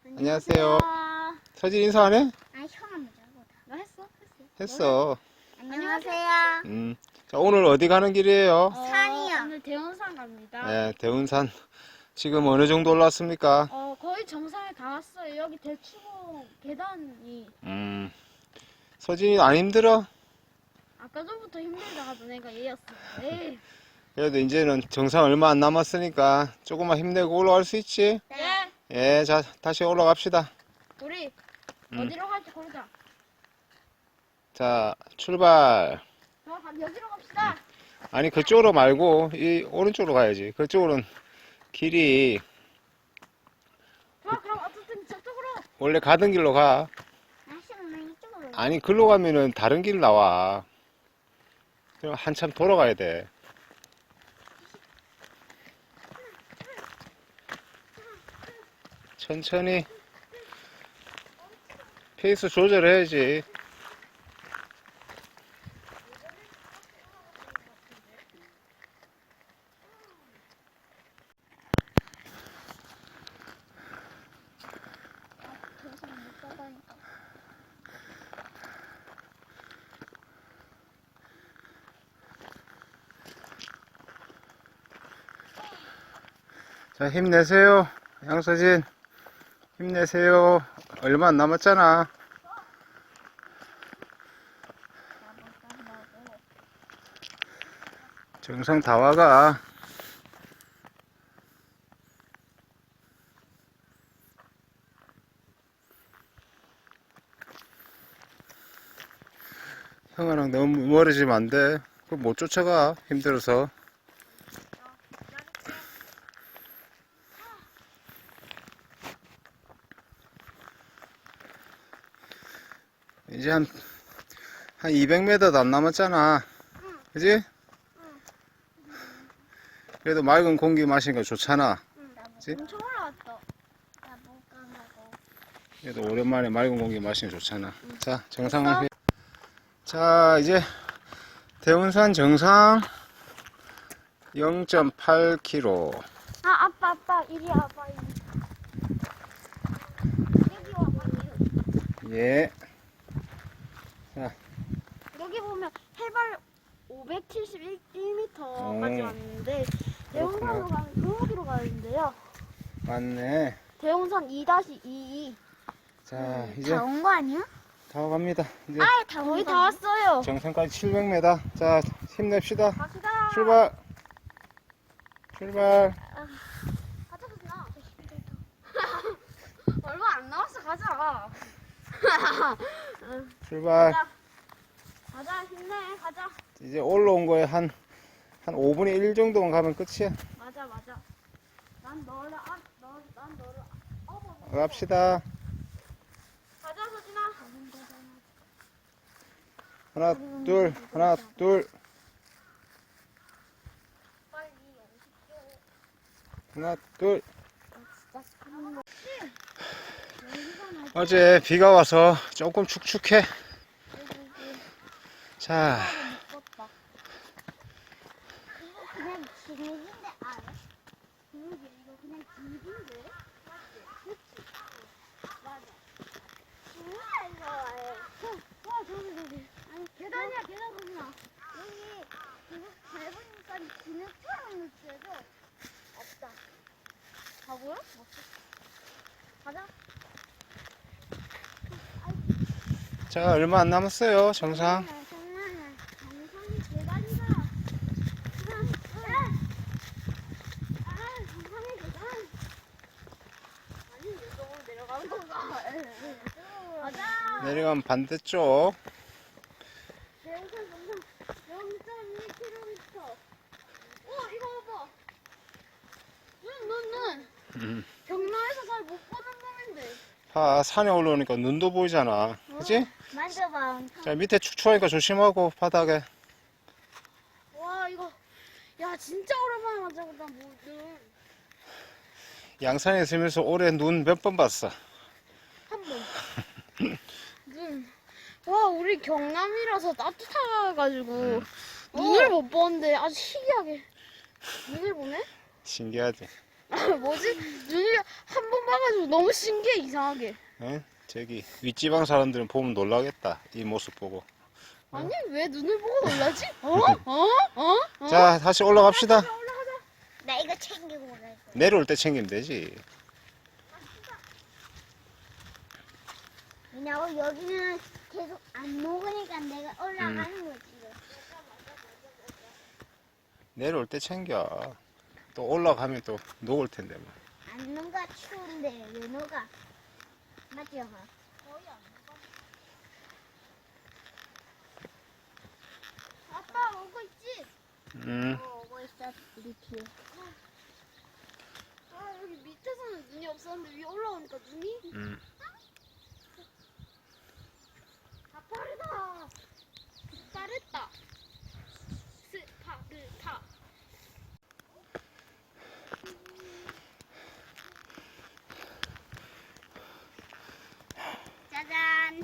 안녕하세요. 서진 인사 안 해? 아니 형 먼저 하고 너 했어? 했어. 안녕하세요. 자, 오늘 어디 가는 길이에요? 산이요. 오늘 대원산 갑니다. 네, 대운산. 지금 어느 정도 올랐습니까? 거의 정상에 다 왔어요. 여기 대추봉 계단이 서진이 안 힘들어? 아까 전부터 힘들다가 너네가 얘였어. 에이. 그래도 이제는 정상 얼마 안 남았으니까 조금만 힘내고 올라갈 수 있지? 네. 예, 자, 다시 올라갑시다. 우리 어디로 갈지 고르자. 자, 출발. 여기로 갑시다. 아니, 그쪽으로 말고, 이 오른쪽으로 가야지. 그쪽으로는 길이 좋아, 그럼 어쨌든 저쪽으로. 원래 가던 길로 가. 아시는 이쪽으로. 아니, 글로 가면은 다른 길 나와. 그럼 한참 돌아가야 돼. 천천히 페이스 조절해야지. 자, 힘내세요. 양서진, 힘내세요. 얼마 안 남았잖아. 정상 다 와가. 형아랑 너무 멀어지면 안 돼. 그거 못 쫓아가. 힘들어서. 이제 한 200m도 안 남았잖아. 그지? 그래도 맑은 공기 마시니까 좋잖아. 그치? 엄청 올라왔다. 나못 가고. 그래도 오랜만에 맑은 공기 마시니까 좋잖아. 자, 정상. 자, 이제 대운산 정상 0.8km. 아빠, 이리 와봐. 여기 와봐. 예. 자, 여기 보면 해발 571m까지 왔는데 대운산으로 그렇구나. 가면 여기로 가는데요. 맞네. 대운산 2-22. 자, 이제 다 온 거 아니야? 다 갑니다. 이제 아예 거의 다 왔어요. 정상까지 700m. 자, 힘냅시다. 갑시다. 출발. 출발. 가자, 그냥. 얼마 안 남았어, 가자. 출발. 가자, 힘내, 가자. 이제 올라온 거에 한 5분의 1 정도만 가면 끝이야. 맞아. 난 너를 갑시다. 가자, 서진아. 하나, 둘, 하나, 둘, 빨리 하나, 둘. 진짜 어제 비가 와서 조금 축축해. 자, 이거 그냥 진흙인데 알아? 이거 그냥 진흙인데? 맞지? 맞아. 진흙이야 이거. 와 저기. 아니 계단이야 계단 보지마. 여기 진흙 밟으니까 진흙처럼 느껴져. 없다. 다 보여? 없어. 가자. 자, 얼마 안 남았어요, 정상. 정상이 계단이다. 정상이 계단. 아니 이쪽으로 내려가는 건가? 가자. 내려가면 반대쪽. 대우산 정상 0.2km. 이거 봐봐. 눈. 경로에서 잘 못 보는 놈인데. 산에 올라오니까 눈도 보이잖아. 그치? 만져봐. 자, 밑에 축축하니까 조심하고, 바닥에. 와 이거. 야 진짜 오랜만에 만져보다 눈. 양산에 있으면서 올해 눈 몇 번 봤어. 한 번. 눈. 와, 우리 경남이라서 따뜻해가지고 눈을 못 보는데 아주 희귀하게 눈을 보네? 신기하지? 뭐지? 눈이 한 번 봐가지고 너무 신기해 이상하게. 예? 저기 윗지방 사람들은 보면 놀라겠다. 이 모습 보고. 아니 왜 눈을 보고 놀라지? 어? 자, 다시 올라갑시다. 나 이거 챙기고 올라. 내려올 때 챙기면 되지. 왜냐면 여기는 계속 안 녹으니까 내가 올라가는 거지. 내려올 때 챙겨. 또 올라가면 또 녹을 텐데 뭐. 안 녹아 추운데 왜 녹아? 맞죠? 거의 안 녹아. 아빠 오고 있지? 오고 있어 우리 뒤에. 아 여기 밑에서는 눈이 없었는데 위에 올라오니까 눈이 다 빠르다. 빠르다. 스파르타. 짜잔.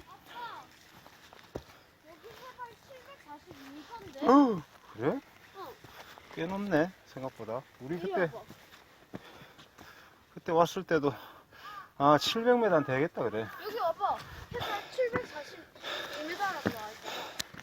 여기 해발 742m인데? 그래? 어. 꽤 높네, 생각보다. 우리 이리 그때 와봐. 왔을 때도 700m는 되겠다 그래. 여기 와봐. 해발 742m라고 나와있잖아.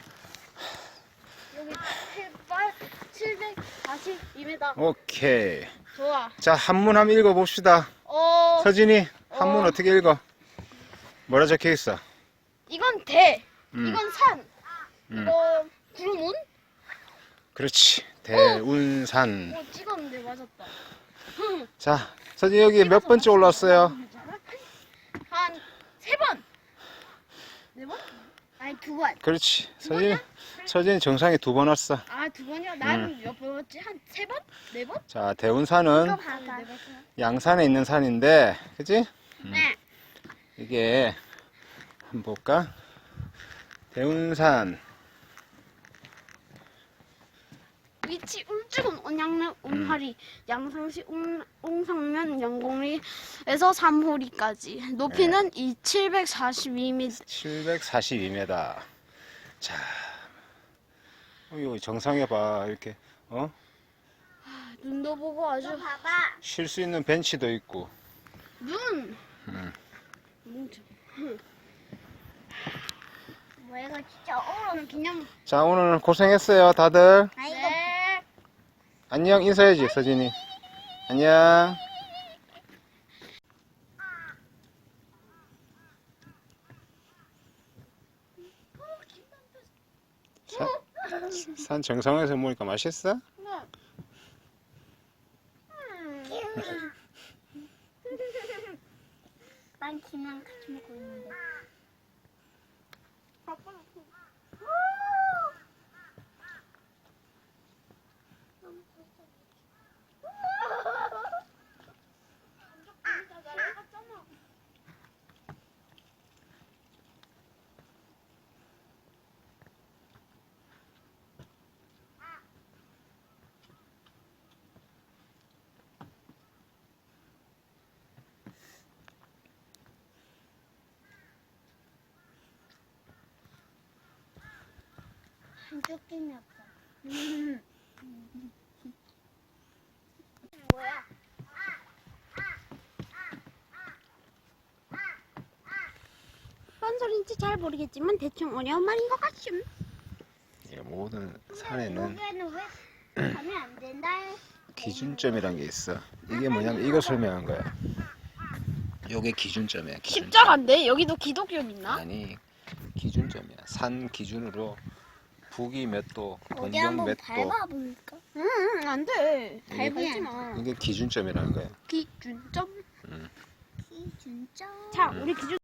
여기 해발 742m. 오케이. 좋아. 자, 한문 한번 읽어봅시다. 서진이 한문 어떻게 읽어? 뭐라 적혀 있어? 이건 대. 음. 이건 산. 음. 이거 구름운? 그렇지. 대운산. 찍었는데 맞았다. 자, 서진이 여기 몇 번째 올랐어요? 한 3번. 4번? 아니 2번. 그렇지. 서진이 정상에 2번 왔어. 아, 2번이요? 나는 몇 번이었지? 한 3번? 4번? 자, 대운산은 이거 봐봐. 양산에 있는 산인데, 그치? 네. 이게 한번 볼까? 대운산. 위치 울주군 온양면 온파리 양상시 옹상면 영공리에서 삼호리까지 높이는 742m. 742m. 자, 여기 정상에 봐. 이렇게, 눈도 보고 아주 이거 봐봐. 쉴 수 있는 벤치도 있고. 눈. 뭐 이거 진짜 어려워. 그냥 자, 오늘 고생했어요, 다들. 아 이거 네. 안녕 인사해야지, 서진이. 안녕. 산 정상에서 먹으니까 맛있어? 난 김이랑 같이 먹고 있는데. 한쪽 김이 없어. 뭐야? 뭔 소린지 잘 모르겠지만 대충 어려운 말인 것 같음. 이 모든 산에는 여기에는 왜 가면 안 된다? 기준점이란 게 있어. 이게 뭐냐면 이거 설명한 거야. 요게 기준점이야. 기준점. 십자가인데 여기도 기독교 믿나? 아니, 기준점이야. 산 기준으로 북위 몇 도, 어디 동북 한번 몇 도. 밟아볼까? 응, 안 돼. 이게- 밟지 마. 이게 기준점이라는 거야. 기준점. 기준점. 자, 우리 기준.